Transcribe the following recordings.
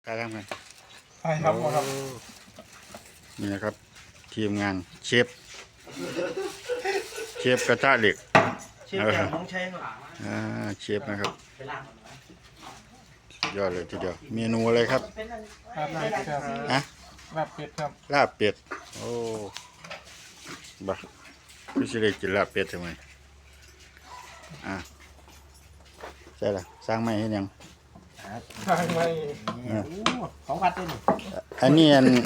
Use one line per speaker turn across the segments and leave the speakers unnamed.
ใครทำกัน
ใช่ครับครับ
นี่นะครับทีมงานเชฟกระทะเหล็ก
เชฟแกงน้องใช้ครับ
เชฟนะครับยอดเลยทีเดียวเมนูอะไรครับ
ลาบเป็ดครับ
ฮะ
ลาบเป็ดครับ
ลาบเป็ดโอ้บ้าพี่สิได้กินลาบเป็ดทำไมใช่ละสร้างไม่ให้ยัง
ทางไม่
ของวัดด้วยนี่
อันนี้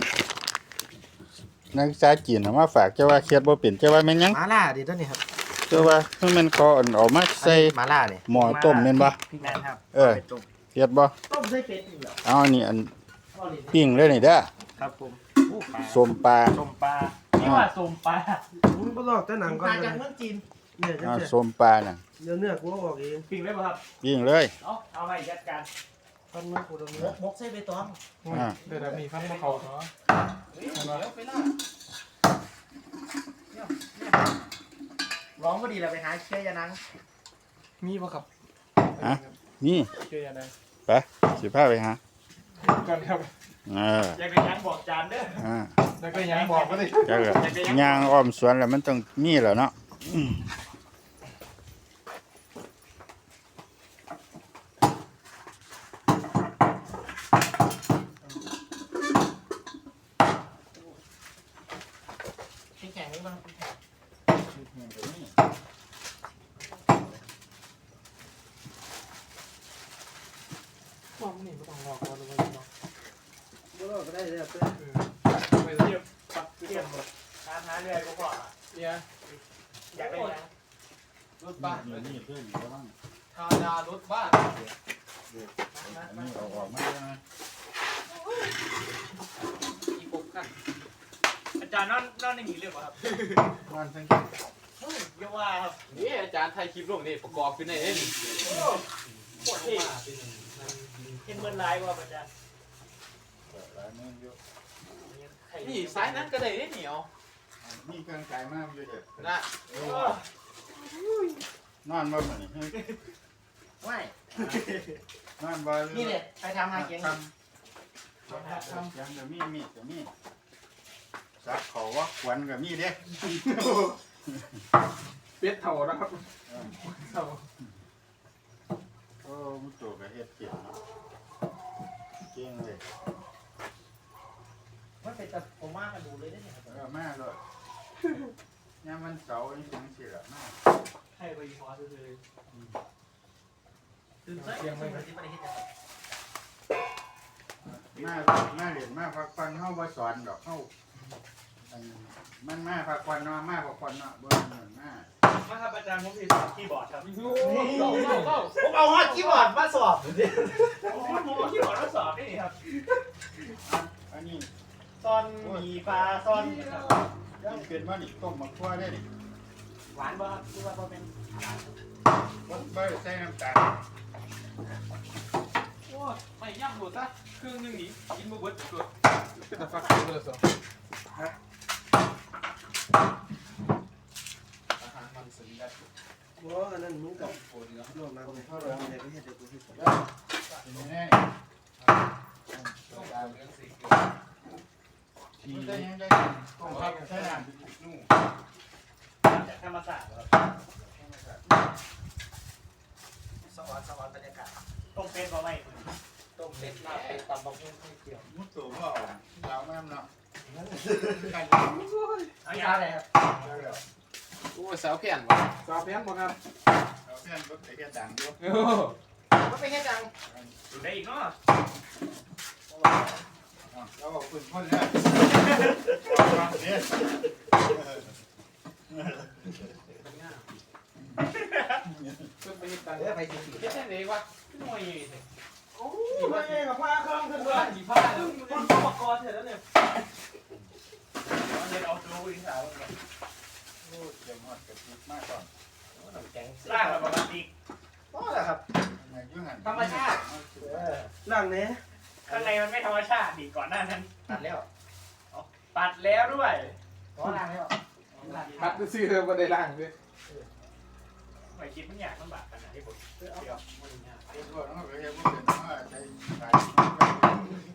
นักศึกษาจีนเอามาฝากเจ้าว่าเคียดบ่เป็นเจ้าว่าแม่นยัง
มาล่าดิตัวนี้ครับ
เจ้าว่าเพิ่นแม่นขอออกมาใส่
มาล่าเนี่ย
หม้อต้มแม่นบ่
พี่แม่นครับ
เคียดบ่
ต้มใส่เป็ดนี่เหรอ
เอาอันนี้ปิ้งเลยนี่เด้อ
ครับผม
ส้มปลา
นี่ว่าส้มปลามึงบ่ลอกแต่หนังก่อนมาจากเมืองจีน
เนี่ยส้มปลาน่ะ
เนื้อกูออกเองปิ้งเลยป่ะครับ
ปิ้งเลย
เอาไปยัดกันต้นมือกูตรงนี้มกใส่ใบตอง
เดี๋ยวมีฟันมะเขาเนาะ
ร้องพอดีเราไปหาเชื่อยานัง
มีป่ะครับ
นี่
เชื่อยานัง
ไปสิพาไปหา
ก่อนครับ
อยากไปยังบอกจานเด้อ
แล้วก็ยังบอกก็ได้
ย่างอ้อมสวนแล้วมันต้องมีแล้วเนาะ
แข็งนี่บ้าง
ว่ามันนี่ไม่ต้องรอก่อนเลยเนาะ
ก็ได้เลยครับ
ไปเทียบปักเทียบหมด
หาเรื่อยก็พอ
เนี่ย
อยากได้ยัง
รถบ้าน
นี่เพื่อนก็บ้าง
ธาดารถบ้าน
นี่ออกมาแล้วนะ
อีกกัน
อาจารย์นอนในหีเรียกว่าครับ
นอนทั้ง
เยาว่าครับ
นี่อาจารย์ไทยคลิปลงนี่ประกอบขึ้นในเอง
ปวดที่เห็นเมื่อไรว่าอาจารย์
นี่สายนั้นก็ได้เหนียว
มีเครื่องใจมากเลยเด็ด
นะ
นอนบ่เหมือน
ไม่
นอนบ่
นี่เลยไปทำหาเกียง
ทำยังจะมีจะมีสักเขาว่าขวัญกับมีเด้
เป็ดเถ่านะครับเถ่า
โอ้มุตัวกับเฮ็ดเก่งเก่งเลย
มันเป็นแต่ผมมากกันดูเลยได้เนี่ย
มากเลยเนี่ยมันเสาร์นี่ถึงสิละมาก
ให้ไปพอเลยตื่นเต้นยังไม่ได้ที่ไม่ได้คิด
จะมาเรียนมาพักผ่อนเข้าบ่สอนดอกเข้ามันมาพักผ่อนเนาะมาพักผ่อนเนาะบ่เหมือนมา
ครับอาจารย์ผมมีสอบคีย์บอร์ดครับผมเอาฮอตคีย์บอร์ดมาสอบผมเอาคีย์บอร์ดมาสอบนี่ครับ
อันนี้
ซ่อนมีปลาซ่อน
ยังเป็นว่านี่ต้มมะขั่วได้ดิ
หวานบ่ครับคือว่าเป็น
บ่ใส่น้ำตาล
โอ้ไม่ย่ำหมดซะครึ่งนึงนี่กินบ่เบิดสุดเป็นตะฟักเลยสิอาหารมันสัญญา
ว่าอันนั้นมึงกับโอ้ยโลกน้ำเลยเขาลงในประเทศเดียวกันที่สุด
นี่ที่ได้ยังได้ต้มผักใส่น้ำนู่
จากธรรมศาสตร์ครับสวรรค์บรรยากาศต้มเป็ดบ่ไหมต้มเป็ดลาบเป็ดตำบักหุ่งข้าวเกี๊ยว
มุดตัวก็เราแม่เนาะ
เอายาอะไรครับ
โอ้สาวเพี้ยนบ่สาวเพี้ยนบ่ครับ
สาวเพี้ยนก็ไปแค่ดังด้วย
ก็ไปแค่ดัง
อยู่
ได้อีกเนาะ
เราบอกคุณพ่นแล้วเนี่ย
ขึ้นไปฮิตกัน
ไปสิ
เฮ็ดได้เลยวะหน่วย
โอ้ยมาเองกับผ้าเครื่องขึ้นมา
กี่ผ้า
คนอุปกรณ์เสร็จแล้วเนี่ยเดี๋ยวเอาตัววิ่งสาว
โอ้เตรียมหอดกระติกมากก่อน
ล่างแบบปกติก็แหละครับธรรมชาติล่างเนี้ยข้างในมันไม่ธรรมชาติดีก่อนหน้านั้นตัดแล้วตัดแล้วด้วยก็ล่างแล้ว
ตัดซื้อเธอมาได้ล่างด้วย
ไม่คิดมันอยากลำบากขนาดที่ผมเดี๋ยว
ไอ้พวกนั้นก็เรียกว่าเป็นว่าใจ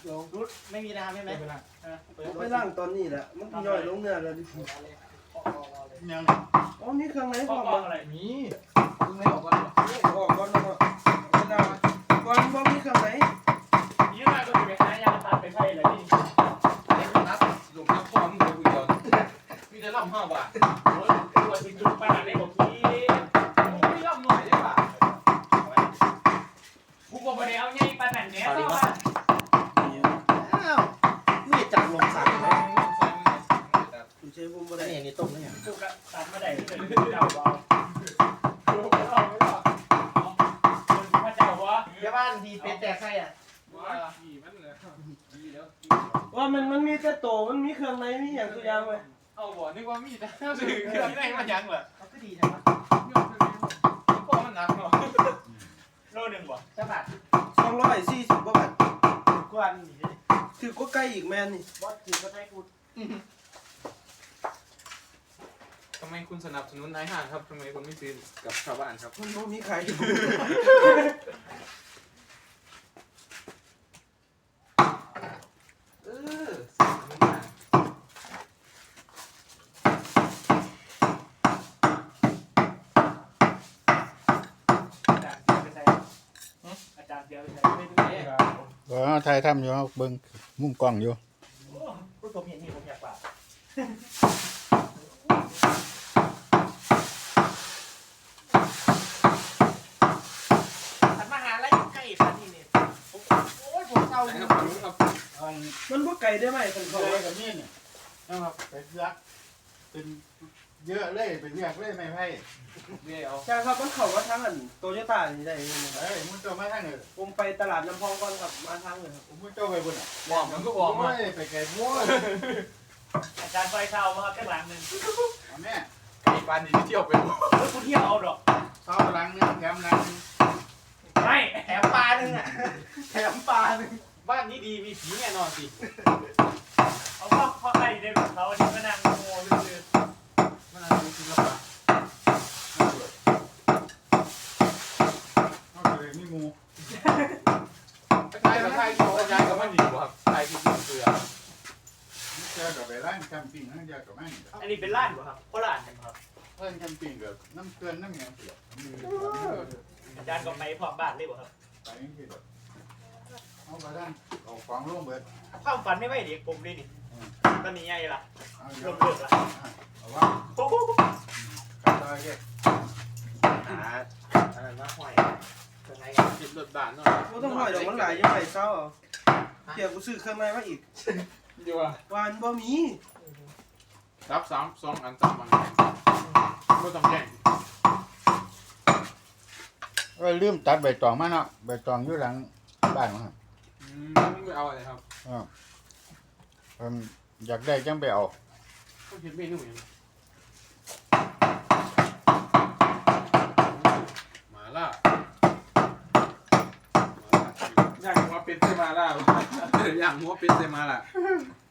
ลง
รุดไม่มีน้ำใช่ไหม
เวลา
ไปล่างตอนนี้แหละมันย่อยลงเนื้อแล้วดิ
ยัง
อ๋อนี่เครื่องใน
พ่
พ่
อ
อ
ม
มา
อะไร
มีมึงไม่ออกก่อนเหรอ
ออกก่อนแล้วก็ไปล่างก่อนบ่มีเครื่องใน
ยืมมาก็จะไปหายาตัดไปใช่เลยนี่
นับหลุมนับพ่อมึงเลยกูเดียวมีแต่ล่ำ5 บาท
โอ้ยตัวจริงจุดปานในบอกที
ไม่ย่ำหน่อยได้ป่ะ
กูบอกไปแล้วไงปานนั่นเนี่ยก็ว่า
อ้าวไม่จับลงสั่งเลย
อยู่ใช้ผมบ่
แล้ว
ได้
เนี่ยนี่ต้มแล้วยัง
กูก็ตัดมาได้เลยเจ้าบ่กูก็เอาไม่รอดพระเจ้าวะ
เดี๋ยวบ้านทีเป็ดแตกไส้อ่ะ
ว่าขี่มันเลยดีแล้ว
ว่ามันมีแต่โตมันมีเครื่องในมีอย่างตัวอย่างไว้
เอาบ่นึกว่ามีแต่สื่อเครื่องในมันยังเหรอ
เขาก็ดีจังวะ
พ่อมันหนักเนาะ
โลหนึ่งบ่
เจ้าบัตร
240กว่าบาท
กวนนี่
ถือก็ใกล้อีกแม่นนี่
บอสถือก็ใช้กู
ทำไมคุณสนับสนุนนายห้างครับทำไมคุณไม่ซื้อกับชาวบ้านครับ
มันบ่มีใคร
เออสนับสนุนมา
อาจารย์เสียไปใส่
ไม่ดูเนี่ย
ไทยทำอยู่เบิ่งมุมกล้องอยู่
พูดผมเห็นนี่ผมอยากกว่าขันมาหาอะไรอยู่ใกล้สันนี่เนี่ยโอ้ยผมเศร้า
นะ
อยู่
ครับรู้ครับ
มันบ่ไกลได้ไหมคัน
เขา
เขา
ไว้กับนี่นี่นะครับไปเลือกเป็นเยอะเลยไปเลือกเลยไม่ไพ่
เดี๋ยว
ใช่ครับมันเข้ามาทางอันโตโยต้านี่ได้นี่นะ
เฮ้ยมึงเจ้ามาทางไหน
ผมไปตลาดน้ำพองก่อนครับมาทางเลยครับ
มึงเจ้าไปบนอ่ะ
บอกมันก็บอกมา
โอ้ยไปไกลมั่ว
อาจารย์ซอยเช่ามาครับแค่หลังหนึ่ง
เอาแม่
ไอ้ปานนี้เที่ยวไปหมด
แล้วกูเที่ยวเอาดอก
เท้าหลังนึงแถมหลังนึง
ไม่
แถมปลาหนึ่งอ่ะแถมปลาหนึ่ง
บ้านนี้ดีมีผีแน่นอนสิ
เอาข้อใครได้แบบเขาที่มานั่งโง่ลือ
มันอะไรศิลปะ
เอาเลยมีหมู
ไทยกับไทยที่เขาย้ายกับมันดีกว่าครับไทยที่กินเกลือ
เจอกับไปร้านแคมปิ้งนั่นเดียวกับมัน
อันนี้เป็นร้านป่ะครับโคราชครับ
เพื่อนแคมปิ้งกับน้ำเกลือน้ำแหงเปลือก
อาจารย์ก็ไปพร้อมบ้านเลยป่ะครับ
ไปนี่คือแบบเอาไปด้านเอาของร่วมเบิด
ความฝันไม่ไหวเด็กผมเลยนี่ตอนนี้ไงล่ะ
เอา
ล
เดี๋ยว
มเลิกละ
เอาว่า
โอ้โห
ขับต่อเก็บ
อะไรมาห้อยเป็นไง
จิบรถบานหน่อย
บ่ต้องห้อยดอกมันหลายยังไงเศร้าเอาเกี่ยวกูซื้อเครื่องในมาอีก
เดี๋ยวว่า
วานบ่มี
รับ2 อัน3 อันไม่ต้องแย่ง
ลืมตัดใบตองมาเนาะใบตองอยู่หลังบ้านมั้ง
ไม่เอาอะไรครับ
อยากได้จังไปเอา
ก็คิดเมนูอย่างมาล่าย่างหัวเป็ดเซมาล่าย่างหัวเป็ดเซมาล่า